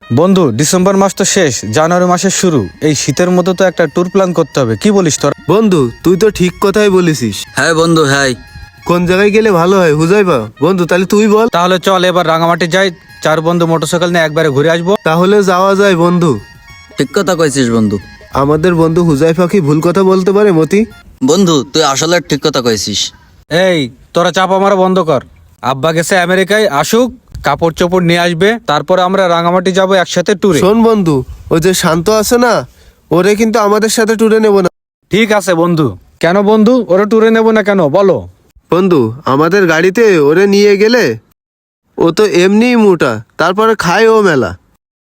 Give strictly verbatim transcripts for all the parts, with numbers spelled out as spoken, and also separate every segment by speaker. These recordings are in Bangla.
Speaker 1: বন্ধু, ডিসেম্বর মাস তো শেষ, জানুয়ারি মাসের শুরু। এই শীতের মধ্যে তো একটা ট্যুর প্ল্যান করতে হবে, কি বলিস তোর?
Speaker 2: বন্ধু তুই তো ঠিক কথাই বলেছিস।
Speaker 3: হ্যাঁ বন্ধু, হ্যাঁ।
Speaker 2: কোন জায়গায় গেলে ভালো হয় হুজাইবা? বন্ধু তাহলে তুই বল।
Speaker 1: তাহলে চল এবার রাঙামাটি যাই, চার বন্ধু মোটরসাইকেল নিয়ে একবারে ঘুরে আসবো।
Speaker 2: তাহলে যাওয়া যায় বন্ধু।
Speaker 3: ঠিক কথা কইছিস বন্ধু।
Speaker 2: আমাদের বন্ধু হুজাইফা কি ভুল কথা বলতে পারে মতি?
Speaker 3: বন্ধু তুই আসলে ঠিক কথা কইছিস।
Speaker 1: এই তোরা চাপা মারা বন্ধ কর। আব্বা গেছে আমেরিকায়, আসুক, কাপড় চোপড় নিয়ে আসবে, তারপরে আমরা রাঙামাটি যাবো একসাথে ট্যুরে।
Speaker 2: শোন বন্ধু, ও যে শান্ত আছে না, ওরে কিন্তু আমাদের সাথে ট্যুরে নেব না।
Speaker 1: ঠিক আছে বন্ধু। কেন বন্ধু, ওরা ট্যুরে নেবো না কেন বলো?
Speaker 2: বন্ধু আমাদের গাড়িতে ওরে নিয়ে গেলে ও তো এমনিই মোটা, তারপরে খায় ও মেলা।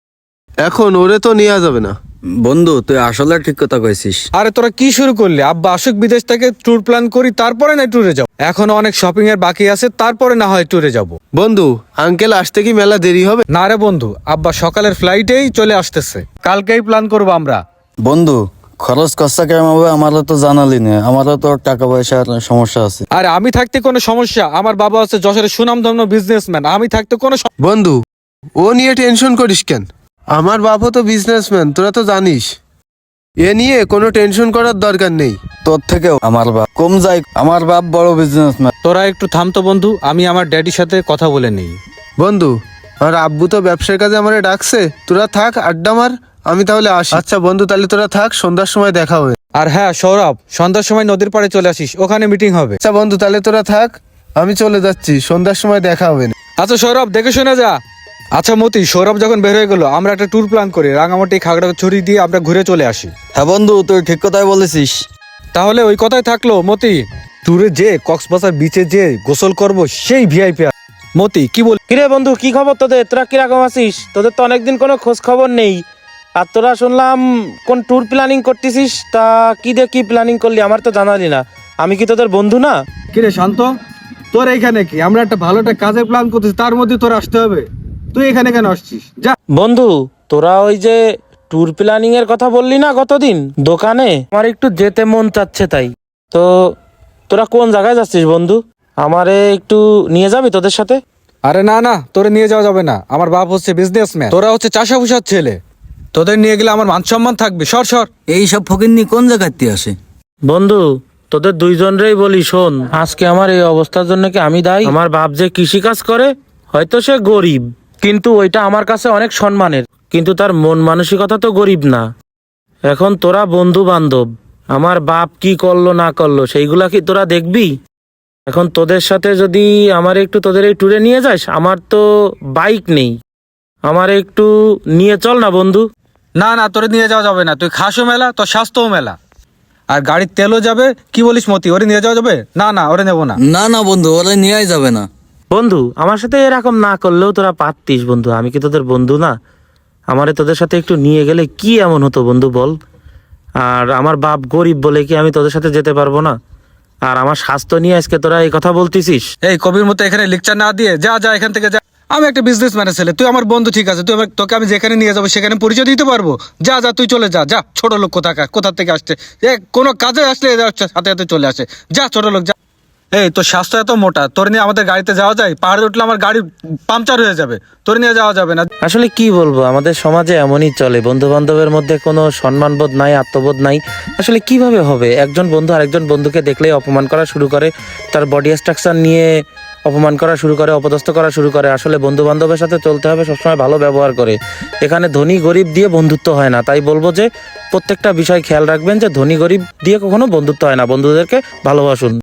Speaker 2: এখন ওরে তো নেওয়া যাবে না।
Speaker 3: বন্ধু তুই আসলে ঠিক কথা কইছিস।
Speaker 1: আরে তোরা কি শুরু করলি? আব্বা আসুক বিদেশ থেকে, ট্যুর প্ল্যান করি, তারপরে না ট্যুরে যাবো। এখন অনেক শপিং এর বাকি আছে, তারপরে না হয় ট্যুরে যাব।
Speaker 2: বন্ধু আঙ্কেল আসতে কি মেলা দেরি হবে?
Speaker 1: না রে বন্ধু, আব্বা সকালের ফ্লাইটেই চলে আসতেছে, কালকেই প্ল্যান করবো আমরা।
Speaker 3: বন্ধু খরচ খরচা কেমন হবে আমারও তো জানালি না, আমারও তো টাকা পয়সার সমস্যা আছে।
Speaker 1: আরে আমি থাকতে কোনো সমস্যা? আমার বাবা হচ্ছে যশোরের সুনামধন্য বিজনেসম্যান, আমি থাকতে কোনো সম-
Speaker 2: বন্ধু ও নিয়ে টেনশন করিস কেন? আমার বাপও তো বিজনেসম্যান, তোরা তো জানিস। এ নিয়ে কোনো টেনশন করার দরকার নেই।
Speaker 3: তোর থেকেও আমার বাপ কম যায়, আমার বাপ বড় বিজনেসম্যান।
Speaker 1: তোরা একটু থামতো বন্ধু, আমি আমার ড্যাডির সাথে কথা বলে নেই।
Speaker 2: বন্ধু আর আব্বু তো ব্যবসার কাজে আমারে ডাকছে, তোরা থাক আড্ডা মার, আমি তাহলে আসি। আচ্ছা বন্ধু তাহলে তোরা থাক, সন্ধ্যার সময় দেখা হবে।
Speaker 1: আর হ্যাঁ সৌরভ, সন্ধ্যার সময় নদীর পাড়ে চলে আসিস, ওখানে মিটিং হবে।
Speaker 2: আচ্ছা বন্ধু তাহলে তোরা থাক, আমি চলে যাচ্ছি, সন্ধ্যার সময় দেখা হবে।
Speaker 1: আচ্ছা সৌরভ, দেখে শুনে যা। আচ্ছা মতি, সৌরভ যখন বের হয়ে গেল, আমরা একটা ট্যুর প্ল্যান করি, রাঙামাটি খাগড়াছড়ি দিয়ে আমরা ঘুরে চলে আসি।
Speaker 3: হ্যাঁ বন্ধু তুই ঠিক কথাই বলেছিস।
Speaker 1: তাহলে ওই কথাই থাকলো মতি, ট্যুরে যে কক্সবাজার বিচে যে গোসল করব, সেই ভিআইপি। মতি কি বল?
Speaker 4: কিরে বন্ধু, কি খবর তোদের? তোরা কিরকম আছিস? তোদের তো অনেকদিন কোনো খোঁজ খবর নেই। আর তোরা শুনলাম কোন ট্যুর প্ল্যানিং করতেছিস, তা কি দিয়ে কি প্ল্যানিং করলি আমার তো জানালি না। আমি কি তোদের বন্ধু না?
Speaker 1: কিরে শান্ত, তোর এইখানে কি? আমরা একটা ভালো একটা কাজের প্ল্যান করতেছি, তার মধ্যে তোর আসতে হবে। তুই এখানে কেন আসছিস? যা।
Speaker 4: বন্ধু তোরা ওই যে ট্যুর প্ল্যানিং এর কথা বললি না গতদিন দোকানে, আমার একটু যেতে মন চাচ্ছে, তাই তো তোরা কোন জায়গায় যাচ্ছিস বন্ধু? আমারে একটু নিয়ে যাবি তোদের সাথে?
Speaker 1: আরে না না, তোরে নিয়ে যাওয়া যাবে না। আমার বাপ হচ্ছে বিজনেসম্যান, তোরা হচ্ছে চাষাভুষার ছেলে, তোদের নিয়ে গেলে আমার মান সম্মান থাকবে। সর সর।
Speaker 3: এই সব ফকিন্নি কোন জায়গাতে আসে?
Speaker 4: বন্ধু তোদের দুইজনরেই বলি, শোন, আজকে আমার এই অবস্থার জন্য কি আমি দায়ী? আমার বাপ যে কৃষি কাজ করে, হয়তো সে গরিব, কিন্তু ওইটা আমার কাছে অনেক সম্মানের, কিন্তু তার মন মানসিকতা তো গরিব না। এখন তোরা বন্ধু বান্ধব, আমার বাপ কি করলো না করলো সেইগুলা কি তোরা দেখবি? এখন তোদের সাথে যদি আমার একটু তোদের এই ট্যুরে নিয়ে যাস, আমার তো বাইক নেই, আমার একটু নিয়ে চল না বন্ধু।
Speaker 1: না না, তোরে নিয়ে যাওয়া যাবে না। তুই খাসও মেলা, তোর স্বাস্থ্যও মেলা, আর গাড়ির তেলও যাবে। কি বলিস মতি, ওরে নিয়ে যাওয়া যাবে? না না, ওরে নেবো না।
Speaker 3: না না বন্ধু, ওরা নিয়েই যাবে না।
Speaker 4: বন্ধু আমার সাথে এরকম না করলেও তোরা পারতিস বন্ধু, আমি কি তোদের বন্ধু না? আমারে তোদের সাথে একটু নিয়ে গেলে কি এমন হতো বন্ধু বল? আর আমার বাপ গরিব বলে কি আমি তোদের সাথে যেতে পারবো না? আর আমার স্বাস্থ্য নিয়ে আজকে তোরা এই কথা বলতিছিস?
Speaker 1: এই কবির মতো এখানে লেকচার না দিয়ে যা যা এখান থেকে যা। আমি একটা বিজনেসম্যানের ছেলে, তুই আমার বন্ধু, ঠিক আছে? তুই আমার, তোকে আমি যেখানে নিয়ে যাবো সেখানে পরিচয় দিতে পারবো। যা যা, তুই চলে যা। যা, ছোট লোক কোথাকার, কোথা থেকে আসছে, এ কোনো কাজে আসলে এদের হচ্ছে হাতে হাতে চলে আসে। যা ছোট লোক যা। এই তোর স্বাস্থ্য এত মোটা, তোর নিয়ে আমাদের গাড়িতে যাওয়া যায়? পাহাড়ে উঠলে আমার গাড়ি পাংচার হয়ে যাবে, তোর নিয়ে যাওয়া যাবে না।
Speaker 4: আসলে কি বলবো, আমাদের সমাজে এমনই চলে, বন্ধু বান্ধবের মধ্যে কোনো সম্মানবোধ নাই, আত্মবোধ নাই। আসলে কিভাবে হবে? একজন বন্ধু আরেকজন বন্ধুকে দেখলেই অপমান করা শুরু করে, তার বডি স্ট্রাকচার নিয়ে অপমান করা শুরু করে, অপদস্থ করা শুরু করে। আসলে বন্ধু বান্ধবের সাথে চলতে হবে সবসময় ভালো ব্যবহার করে। এখানে ধনী গরিব দিয়ে বন্ধুত্ব হয় না। তাই বলবো যে প্রত্যেকটা বিষয় খেয়াল রাখবেন যে ধনী গরিব দিয়ে কখনো বন্ধুত্ব হয় না, বন্ধুদেরকে ভালোবাসুন।